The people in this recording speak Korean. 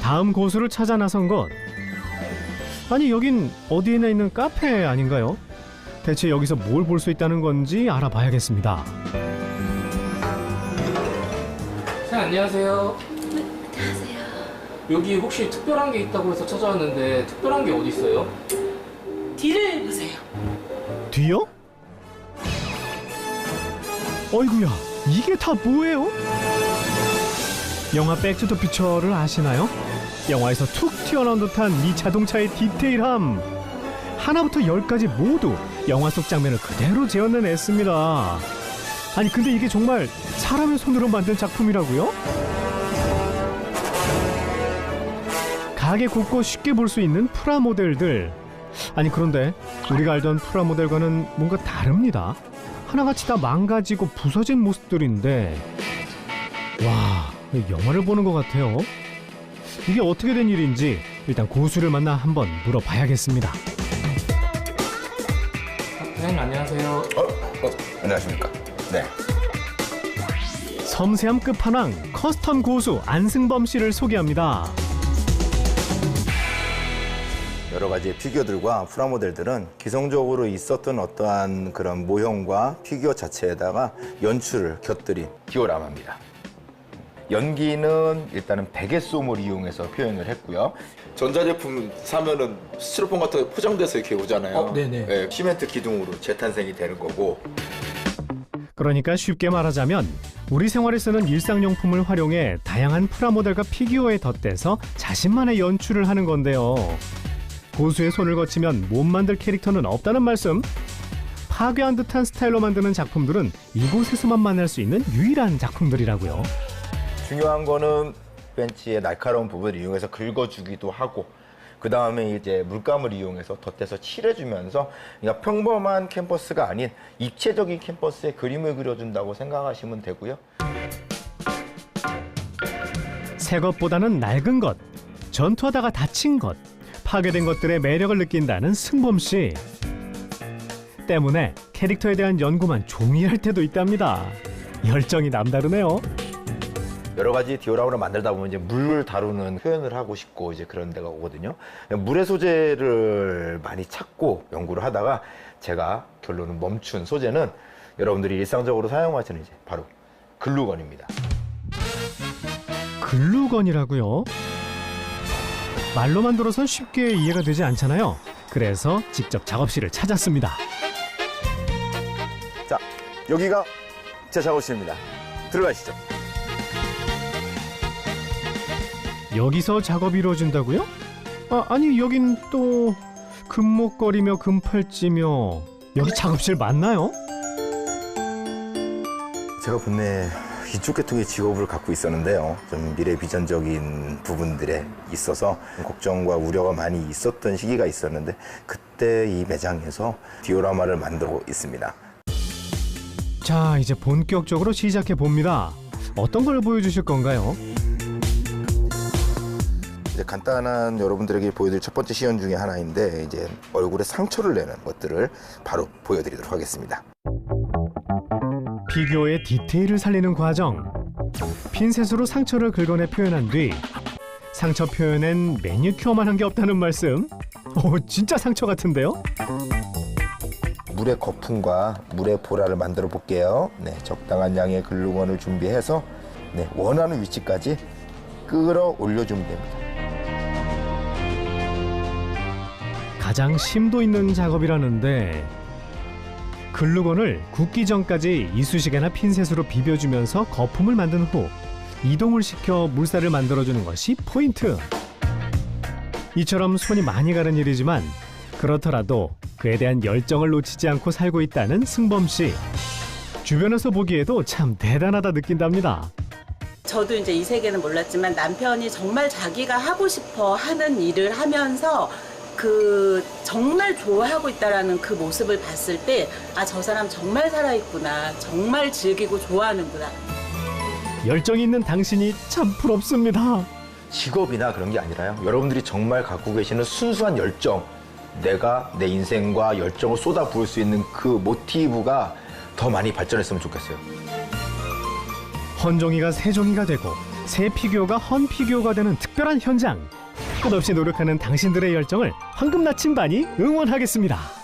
다음 고수를 찾아 나선 곳. 아니, 여긴 어디에나 있는 카페 아닌가요? 대체 여기서 뭘 볼 수 있다는 건지 알아봐야겠습니다. 네, 안녕하세요. 네, 안녕하세요. 여기 혹시 특별한 게 있다고 해서 찾아왔는데 특별한 게 어디 있어요? 뒤를 보세요. 뒤요? 어이구야, 이게 다 뭐예요? 영화 백투더퓨처를 아시나요? 영화에서 툭 튀어나온 듯한 이 자동차의 디테일함. 하나부터 열까지 모두 영화 속 장면을 그대로 재현해냈습니다. 아니, 근데 이게 정말 사람의 손으로 만든 작품이라고요? 가게 곳곳 쉽게 볼 수 있는 프라모델들. 아니, 그런데 우리가 알던 프라모델과는 뭔가 다릅니다. 하나같이 다 망가지고 부서진 모습들인데, 와, 영화를 보는 것 같아요. 이게 어떻게 된 일인지 일단 고수를 만나 한번 물어봐야겠습니다. 사장님 안녕하세요. 안녕하십니까. 네. 섬세함 끝판왕 커스텀 고수 안승범 씨를 소개합니다. 여러 가지 피규어들과 프라모델들은 기성적으로 있었던 어떠한 그런 모형과 피규어 자체에다가 연출을 곁들인 디오라마입니다. 연기는 일단은 베개솜을 이용해서 표현을 했고요. 전자제품 사면은 스티로폼 같은 거 포장돼서 이렇게 오잖아요. 네네. 네, 시멘트 기둥으로 재탄생이 되는 거고. 그러니까 쉽게 말하자면 우리 생활에 쓰는 일상용품을 활용해 다양한 프라모델과 피규어에 덧대서 자신만의 연출을 하는 건데요. 고수의 손을 거치면 못 만들 캐릭터는 없다는 말씀. 파괴한 듯한 스타일로 만드는 작품들은 이곳에서만 만날 수 있는 유일한 작품들이라고요. 중요한 거는 벤치의 날카로운 부분을 이용해서 긁어주기도 하고, 그 다음에 이제 물감을 이용해서 덧대서 칠해주면서, 그러니까 평범한 캔버스가 아닌 입체적인 캔버스에 그림을 그려준다고 생각하시면 되고요. 새 것보다는 낡은 것, 전투하다가 다친 것, 파괴된 것들의 매력을 느낀다는 승범 씨. 때문에 캐릭터에 대한 연구만 종이 할 때도 있답니다. 열정이 남다르네요. 여러 가지 디오라마를 만들다 보면 이제 물을 다루는 표현을 하고 싶고 이제 그런 데가 오거든요. 물의 소재를 많이 찾고 연구를 하다가 제가 결론은 멈춘 소재는 여러분들이 일상적으로 사용하시는 이제 바로 글루건입니다. 글루건이라고요? 말로만 들어선 쉽게 이해가 되지 않잖아요. 그래서 직접 작업실을 찾았습니다. 자, 여기가 제 작업실입니다. 들어가시죠. 여기서 작업이 이루어진다고요? 아니, 여긴 또 금목걸이며 금팔찌며. 여기 작업실 맞나요? 제가 본래 이쪽 계통의 직업을 갖고 있었는데요. 좀 미래 비전적인 부분들에 있어서 걱정과 우려가 많이 있었던 시기가 있었는데, 그때 이 매장에서 디오라마를 만들고 있습니다. 자, 이제 본격적으로 시작해 봅니다. 어떤 걸 보여주실 건가요? 이제 간단한 여러분들에게 보여드릴 첫 번째 시연 중에 하나인데, 이제 얼굴에 상처를 내는 것들을 바로 보여드리도록 하겠습니다. 피규어의 디테일을 살리는 과정. 핀셋으로 상처를 긁어내 표현한 뒤 상처 표현엔 매니큐어만 한 게 없다는 말씀. 진짜 상처 같은데요? 물의 거품과 물의 보라를 만들어 볼게요. 네, 적당한 양의 글루건을 준비해서 네, 원하는 위치까지 끌어올려주면 됩니다. 가장 심도 있는 작업이라는데, 글루건을 굳기 전까지 이쑤시개나 핀셋으로 비벼주면서 거품을 만든 후 이동을 시켜 물살을 만들어주는 것이 포인트. 이처럼 손이 많이 가는 일이지만 그렇더라도 그에 대한 열정을 놓치지 않고 살고 있다는 승범 씨. 주변에서 보기에도 참 대단하다 느낀답니다. 저도 이제 이 세계는 몰랐지만 남편이 정말 자기가 하고 싶어 하는 일을 하면서 정말 좋아하고 있다라는 그 모습을 봤을 때, 저 사람 정말 살아있구나, 정말 즐기고 좋아하는구나. 열정이 있는 당신이 참 부럽습니다. 직업이나 그런 게 아니라요. 여러분들이 정말 갖고 계시는 순수한 열정, 내가 내 인생과 열정을 쏟아부을 수 있는 그 모티브가 더 많이 발전했으면 좋겠어요. 헌종이가 세종이가 되고 새 피규어가 헌 피규어가 되는 특별한 현장. 끝없이 노력하는 당신들의 열정을 황금 나침반이 응원하겠습니다.